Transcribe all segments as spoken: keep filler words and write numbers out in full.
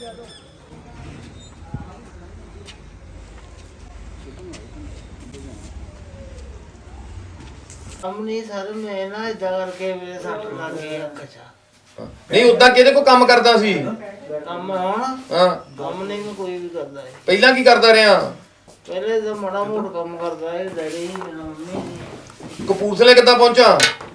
नहीं सर मैं ना इदा करके मेरे सट लग गई अख च नहीं उदा किहदे को काम करदा सी काम होण हां काम नहीं मैं कोई भी करदा है ਪਹਿਲਾਂ ਕੀ ਕਰਦਾ ਰਿਹਾ पहले तो माड़ा मोटा काम करदा है डैडी ही मेरा मम्मी ਕਪੂਰਥਲੇ ਕਿੱਦਾਂ ਪਹੁੰਚਾ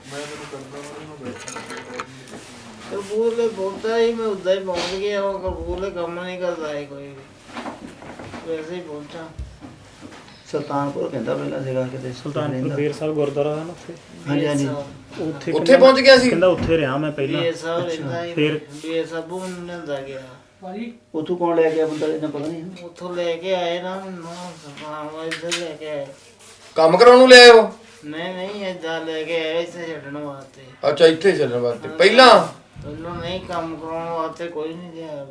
कपूरले बोलता ही मैं उदा ही पहुंच गया और कपूरले काम नहीं करता है कोई भी वैसे ही पहुंचा ਸੁਲਤਾਨਪੁਰ ਕਹਿੰਦਾ ਪਹਿਲਾਂ ਸੀਗਾ ਕਿਤੇ ਸੁਲਤਾਨਪੁਰ ਬੇਰ ਸਾਹਿਬ ਗੁਰਦੁਆਰਾ ਹੈ ਨਾ ਉੱਥੇ ਹਾਂਜੀ ਹਾਂਜੀ ਉੱਥੇ ਉੱਥੇ ਪਹੁੰਚ ਗਿਆ ਸੀ ਕਹਿੰਦਾ ਉੱਥੇ ਰਿਹਾ ਮੈਂ ਪਹਿਲਾਂ ये सब रहता है फिर- ये सब लेंदा गया ਉਥੋਂ ਕੌਣ ਲੈ ਗਿਆ ਬੰਦਾ ਇਹਨਾਂ ਪਤਾ ਨਹੀਂ उतो लेके आए ना ना सफान इधर लेके आए ਕੰਮ ਕਰਾਉਣ ਨੂੰ ਲੈ ਆਇਓ नहीं नहीं इधर लेके आए इसे छड़ने वास्ते ਅੱਛਾ ਇੱਥੇ ਚੱਲਣ ਵਾਸਤੇ ਪਹਿਲਾਂ पहले नहीं काम कराने वास्ते कोई नहीं गया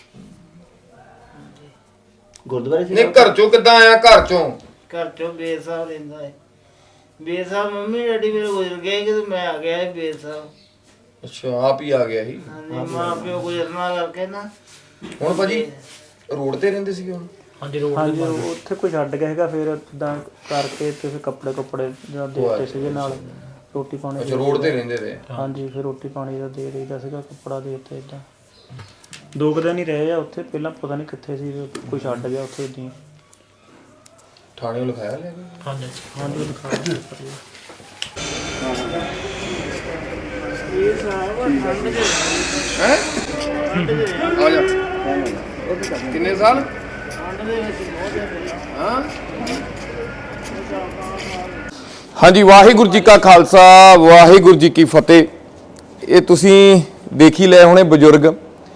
ਗੁਰਦੁਆਰੇ ਸੀ ਨਹੀਂ ਘਰ ਚੋਂ ਕਿੱਦਾਂ ਆਇਆ ਘਰ ਚੋਂ घर चो बेर साहब रहता है बेर साहब मम्मी डैडी मेरे गुजर गए कि तो मैं आ गया है बेर साहब ਅੱਛਾ ਆਪ ਹੀ ਆ ਗਿਆ ਸੀ हाँ जी माँ प्यो गुजरना करके ना ਹੁਣ ਭਾਜੀ ਰੋਡ ਤੇ ਰਹਿੰਦੇ ਸੀਗੇ ਹੁਣ ਹਾਂਜੀ ਰੋਡ ਹਾਂਜੀ ਉੱਥੇ ਕੋਈ ਛੱਡ ਗਿਆ ਹੈਗਾ ਫਿਰ ਇਦਾਂ ਕਰਕੇ ਤੇ ਫਿਰ ਕੱਪੜੇ ਕੱਪੜੇ ਜਾਂ ਦੇ ਦਿੱਤੇ ਸੀਗੇ ਨਾਲ ਰੋਟੀ ਪਾਣੀ ਅੱਛਾ ਰੋਡ ਤੇ ਰਹਿੰਦੇ ਤੇ ਹਾਂਜੀ ਫਿਰ ਰੋਟੀ ਪਾਣੀ ਦਾ ਦੇ ਦੇਈਦਾ ਸੀਗਾ ਕੱਪੜਾ ਦੇ ਦਿੱਤਾ ਇਦਾਂ ਦੋ ਕੁ ਦਿਨ ਹੀ ਰਹੇ ਆ ਉੱਥੇ ਪਹਿਲਾਂ ਪਤਾ ਨਹੀਂ ਕਿੱਥੇ ਸੀ ਕੋਈ ਛੱਡ ਗਿਆ ਉੱਥੇ ਇਦਾਂ ਥਾਣੇ ਨੂੰ ਲਿਖਾਇਆ ਲੈ ਕੇ ਹਾਂਜੀ ਹਾਂਜੀ ਦਿਖਾ ये साहब ठंड के ਹੈ ਆ ਜਾ ਕਿੰਨੇ ਸਾਲ ठंड के विच बहुत है ਹਾਂ ਹਾਂਜੀ ਵਾਹਿਗੁਰੂ ਜੀ ਕਾ ਖਾਲਸਾ ਵਾਹਿਗੁਰੂ ਜੀ ਕੀ ਫਤਿਹ। ਇਹ ਤੁਸੀਂ ਦੇਖ ਹੀ ਲਏ ਹੋਣੇ ਬਜ਼ੁਰਗ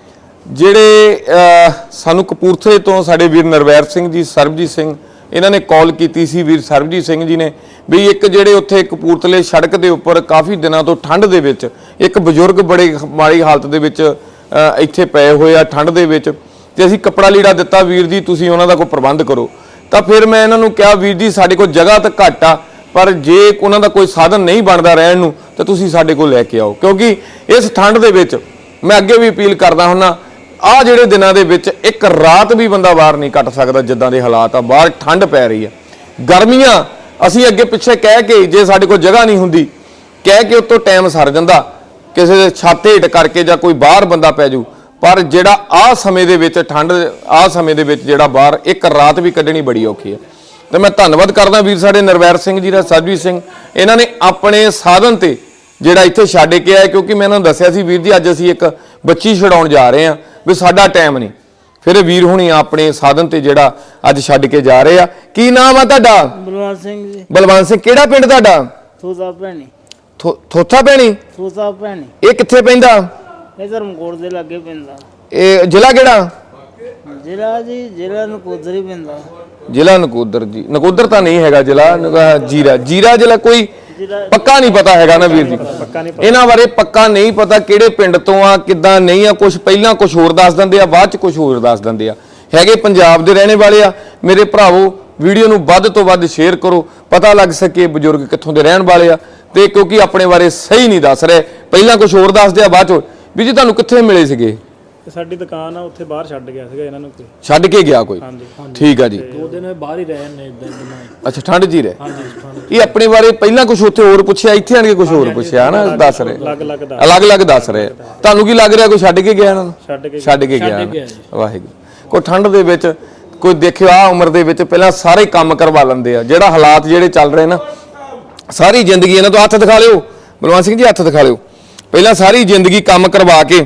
ਜਿਹੜੇ ਸਾਨੂੰ ਕਪੂਰਥਲੇ ਤੋਂ ਸਾਡੇ ਵੀਰ ਨਰਵੈਰ ਸਿੰਘ ਜੀ ਸਰਬਜੀਤ ਸਿੰਘ ਇਹਨਾਂ ਨੇ ਕਾਲ ਕੀਤੀ ਸੀ ਵੀਰ ਸਰਬਜੀਤ ਸਿੰਘ ਜੀ ਨੇ ਵੀ ਇੱਕ ਜਿਹੜੇ ਉੱਥੇ ਕਪੂਰਥਲੇ ਸੜਕ ਦੇ ਉੱਪਰ ਕਾਫੀ ਦਿਨਾਂ ਤੋਂ ਠੰਡ ਦੇ ਵਿੱਚ ਇੱਕ ਬਜ਼ੁਰਗ ਬੜੇ ਮਾੜੀ ਹਾਲਤ ਦੇ ਵਿੱਚ ਇੱਥੇ ਪਏ ਹੋਏ ਆ ਠੰਡ ਦੇ ਵਿੱਚ ਤੇ ਅਸੀਂ ਕੱਪੜਾ ਲੀੜਾ ਦਿੱਤਾ ਵੀਰ ਜੀ ਤੁਸੀਂ ਉਹਨਾਂ ਦਾ ਕੋਈ ਪ੍ਰਬੰਧ ਕਰੋ। ਤਾਂ ਫਿਰ ਮੈਂ ਇਹਨਾਂ ਨੂੰ ਕਿਹਾ ਵੀਰ ਜੀ ਸਾਡੇ ਕੋਲ ਜਗ੍ਹਾ ਤਾਂ ਘੱਟ ਆ ਪਰ ਜੇ ਉਹਨਾਂ ਦਾ ਕੋਈ ਸਾਧਨ ਨਹੀਂ ਬਣਦਾ ਰਹਿਣ ਨੂੰ ਤਾਂ ਤੁਸੀਂ ਸਾਡੇ ਕੋਲ ਲੈ ਕੇ ਆਓ ਕਿਉਂਕਿ ਇਸ ਠੰਡ ਦੇ ਵਿੱਚ ਮੈਂ ਅੱਗੇ ਵੀ ਅਪੀਲ ਕਰਦਾ ਹੁੰਨਾ ਆ ਜਿਹੜੇ ਦਿਨਾਂ ਦੇ ਵਿੱਚ ਇੱਕ ਰਾਤ ਵੀ ਬੰਦਾ ਬਾਹਰ ਨਹੀਂ ਕੱਟ ਸਕਦਾ ਜਿੱਦਾਂ ਦੇ ਹਾਲਾਤ ਆ ਬਾਹਰ ਠੰਡ ਪੈ ਰਹੀ ਆ ਗਰਮੀਆਂ ਅਸੀਂ ਅੱਗੇ ਪਿੱਛੇ ਕਹਿ ਕੇ ਜੇ ਸਾਡੇ ਕੋਲ ਜਗ੍ਹਾ ਨਹੀਂ ਹੁੰਦੀ ਕਹਿ ਕੇ ਉੱਤੋਂ ਟਾਈਮ ਸਰ ਜਾਂਦਾ ਕਿਸੇ ਦੇ ਛੱਤ ਹੇਠ ਕਰਕੇ ਜਾਂ ਕੋਈ ਬਾਹਰ ਬੰਦਾ ਪੈ ਜੂ ਪਰ ਜਿਹੜਾ ਆ ਸਮੇਂ ਦੇ ਵਿੱਚ ਠੰਡ ਆ ਸਮੇਂ ਦੇ ਵਿੱਚ ਜਿਹੜਾ ਬਾਹਰ ਇੱਕ ਰਾਤ ਵੀ ਕੱਢਣੀ ਬੜੀ ਔਖੀ ਆ। ਤੇ ਮੈਂ ਧੰਨਵਾਦ ਕਰਦਾ ਵੀਰ ਸਾਡੇ ਨਰਵੈਰ ਸਿੰਘ ਜੀ ਦਾ ਸਰਬਜੀਤ ਸਿੰਘ ਇਹਨਾਂ ਨੇ ਆਪਣੇ ਸਾਧਨ ਤੇ ਜਿਹੜਾ ਇੱਥੇ ਛੱਡ ਕੇ ਆਏ ਕਿਉਂਕਿ ਮੈਂ ਇਹਨਾਂ ਨੂੰ ਦੱਸਿਆ ਸੀ ਵੀਰ ਜੀ ਅੱਜ ਅਸੀਂ ਇੱਕ ਬੱਚੀ ਛਡਾਉਣ ਜਾ ਰਹੇ ਹਾਂ ਵੀ ਸਾਡਾ ਟਾਈਮ ਨਹੀਂ ਫਿਰ ਵੀਰ ਹੁਣੀ ਆਪਣੇ ਸਾਧਨ ਤੇ ਜਿਹੜਾ ਅੱਜ ਛੱਡ ਕੇ ਜਾ ਰਹੇ ਆ। ਕੀ ਨਾਮ ਆ ਤੁਹਾਡਾ? बलवंत सिंह जी ਬਲਵੰਤ ਸਿੰਘ। ਕਿਹੜਾ ਪਿੰਡ ਤੁਹਾਡਾ? थोसा भैनी ਥੋਥਾ ਭੈਣੀ। थोसा भैनी ਇਹ ਕਿੱਥੇ ਪੈਂਦਾ? ਇਹ ਧਰਮਕੋਟ ਦੇ ਲਾਗੇ ਪੈਂਦਾ। ਇਹ ਜ਼ਿਲ੍ਹਾ ਕਿਹੜਾ? ਜ਼ਿਲ੍ਹਾ ਜੀ ਜ਼ਿਲ੍ਹਾ ਨਕੋਦਰ ਹੀ ਪੈਂਦਾ। ਜ਼ਿਲ੍ਹਾ ਨਕੋਦਰ ਜੀ। ਨਕੋਦਰ ਤਾਂ ਨਹੀਂ ਹੈਗਾ ਜ਼ਿਲ੍ਹਾ ਜੀਰਾ ਜੀਰਾ ਜ਼ਿਲ੍ਹਾ ਕੋਈ ਪੱਕਾ ਨਹੀਂ ਪਤਾ ਹੈਗਾ ਨਾ ਵੀਰ ਜੀ ਇਹਨਾਂ ਬਾਰੇ ਪੱਕਾ ਨਹੀਂ ਪਤਾ ਕਿਹੜੇ ਪਿੰਡ ਤੋਂ ਆ ਕਿੱਦਾਂ ਨਹੀਂ ਆ ਕੁਝ ਪਹਿਲਾਂ ਕੁਝ ਹੋਰ ਦੱਸ ਦਿੰਦੇ ਆ ਬਾਅਦ ਚ ਕੁਝ ਹੋਰ ਦੱਸ ਦਿੰਦੇ ਆ ਹੈਗੇ ਪੰਜਾਬ ਦੇ ਰਹਿਣੇ ਵਾਲੇ ਆ ਮੇਰੇ ਭਰਾਵੋ ਵੀਡੀਓ ਨੂੰ ਵੱਧ ਤੋਂ ਵੱਧ ਸ਼ੇਅਰ ਕਰੋ ਪਤਾ ਲੱਗ ਸਕੇ ਬਜ਼ੁਰਗ ਕਿੱਥੋਂ ਦੇ ਰਹਿਣ ਵਾਲੇ ਆ ਤੇ ਕਿਉਂਕਿ ਆਪਣੇ ਬਾਰੇ ਸਹੀ ਨਹੀਂ ਦੱਸ ਰਹੇ ਪਹਿਲਾਂ ਕੁਝ ਹੋਰ ਦੱਸਦੇ ਆ ਬਾਅਦ ਚ ਵੀ ਜੀ ਤੁਹਾਨੂੰ ਕਿੱਥੇ ਮਿਲੇ ਸੀਗੇ? ਸਾਡੀ ਦੁਕਾਨ ਆ ਉੱਥੇ ਬਾਹਰ ਛੱਡ ਗਿਆ ਸੀਗਾ ਇਹਨਾਂ ਨੂੰ ਕੋਈ ਛੱਡ ਕੇ ਗਿਆ ਕੋਈ ਠੀਕ ਆ ਜੀ ਦੋ ਦਿਨ ਬਾਹਰ ਹੀ ਰਹੇ ਨੇ ਇਦਾਂ ਇਦਾਂ ਅੱਛਾ ਠੰਡ ਜੀ ਰਹੇ ਹਾਂਜੀ ਠੰਡ ਇਹ ਆਪਣੇ ਬਾਰੇ ਪਹਿਲਾਂ ਕੁਝ ਉੱਥੇ ਹੋਰ ਪੁੱਛਿਆ ਇੱਥੇ ਆਣ ਕੇ ਕੁਝ ਹੋਰ ਪੁੱਛਿਆ ਨਾ ਦੱਸ ਰਹੇ ਅਲੱਗ-ਅਲੱਗ ਦਾ ਅਲੱਗ-ਅਲੱਗ ਦੱਸ ਰਹੇ ਤੁਹਾਨੂੰ ਕੀ ਲੱਗ ਰਿਹਾ ਕੋਈ ਛੱਡ ਕੇ ਗਿਆ ਇਹਨਾਂ ਨੂੰ? ਛੱਡ ਕੇ ਛੱਡ ਕੇ ਗਿਆ ਵਾਹਿਗੁਰੂ ਕੋਈ ਠੰਡ ਦੇ ਵਿੱਚ ਕੋਈ ਦੇਖਿਓ ਆ ਉਮਰ ਦੇ ਵਿੱਚ ਪਹਿਲਾਂ ਸਾਰੇ ਕੰਮ ਕਰਵਾ ਲੈਂਦੇ ਆ ਜਿਹੜਾ ਹਾਲਾਤ ਜਿਹੜੇ ਚੱਲ ਰਹੇ ਨਾ ਸਾਰੀ ਜ਼ਿੰਦਗੀ ਇਹਨਾਂ ਤੋਂ ਹੱਥ ਦਿਖਾ ਲਿਓ ਬਲਵੰਤ ਸਿੰਘ ਜੀ ਹੱਥ ਦਿਖਾ ਲਿਓ ਪਹਿਲਾਂ ਸਾਰੀ ਜ਼ਿੰਦਗੀ ਕੰਮ ਕਰਵਾ ਕੇ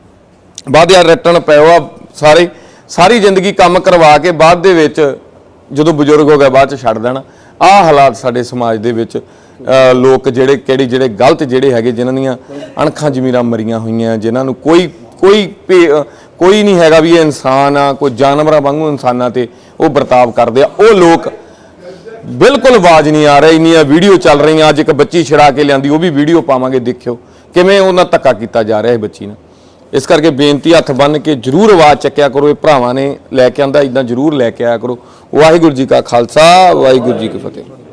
ਬਾਅਦ ਯਾਰ ਰਿਟਰਨ ਪਿਓ ਆ ਸਾਰੇ ਸਾਰੀ ਜ਼ਿੰਦਗੀ ਕੰਮ ਕਰਵਾ ਕੇ ਬਾਅਦ ਦੇ ਵਿੱਚ ਜਦੋਂ ਬਜ਼ੁਰਗ ਹੋ ਗਿਆ ਬਾਅਦ ਚ ਛੱਡ ਦੇਣਾ ਆਹ ਹਾਲਾਤ ਸਾਡੇ ਸਮਾਜ ਦੇ ਵਿੱਚ ਲੋਕ ਜਿਹੜੇ ਕਿਹੜੇ ਜਿਹੜੇ ਗਲਤ ਜਿਹੜੇ ਹੈਗੇ ਜਿਨ੍ਹਾਂ ਦੀਆਂ ਅਣਖਾਂ ਜ਼ਮੀਰਾਂ ਮਰੀਆਂ ਹੋਈਆਂ ਜਿਨ੍ਹਾਂ ਨੂੰ ਕੋਈ ਕੋਈ ਕੋਈ ਨਹੀਂ ਹੈਗਾ ਵੀ ਇਹ ਇਨਸਾਨ ਆ ਕੋਈ ਜਾਨਵਰਾਂ ਵਾਂਗੂ ਇਨਸਾਨਾਂ ਤੇ ਉਹ ਵਰਤਾਵ ਕਰਦੇ ਆ ਉਹ ਲੋਕ ਬਿਲਕੁਲ ਆਵਾਜ਼ ਨਹੀਂ ਆ ਰਹੀ ਇੰਨੀਆਂ ਵੀਡੀਓ ਚੱਲ ਰਹੀਆਂ ਅੱਜ ਇੱਕ ਬੱਚੀ ਛੜਾ ਕੇ ਲਿਆਂਦੀ ਉਹ ਵੀ ਵੀਡੀਓ ਪਾਵਾਂਗੇ ਦੇਖਿਓ ਕਿਵੇਂ ਉਹਨਾਂ ਧੱਕਾ ਕੀਤਾ ਜਾ ਰਿਹਾ ਹੈ ਬੱਚੀ ਨਾਲ ਇਸ ਕਰਕੇ ਬੇਨਤੀ ਹੱਥ ਬੰਨ ਕੇ ਜਰੂਰ ਆਵਾਜ਼ ਚੱਕਿਆ ਕਰੋ ਇਹ ਭਰਾਵਾਂ ਨੇ ਲੈ ਕੇ ਆਂਦਾ ਇਦਾਂ ਜਰੂਰ ਲੈ ਕੇ ਆਇਆ ਕਰੋ ਵਾਹਿਗੁਰੂ ਜੀ ਕਾ ਖਾਲਸਾ ਵਾਹਿਗੁਰੂ ਜੀ ਕੀ ਫਤਿਹ।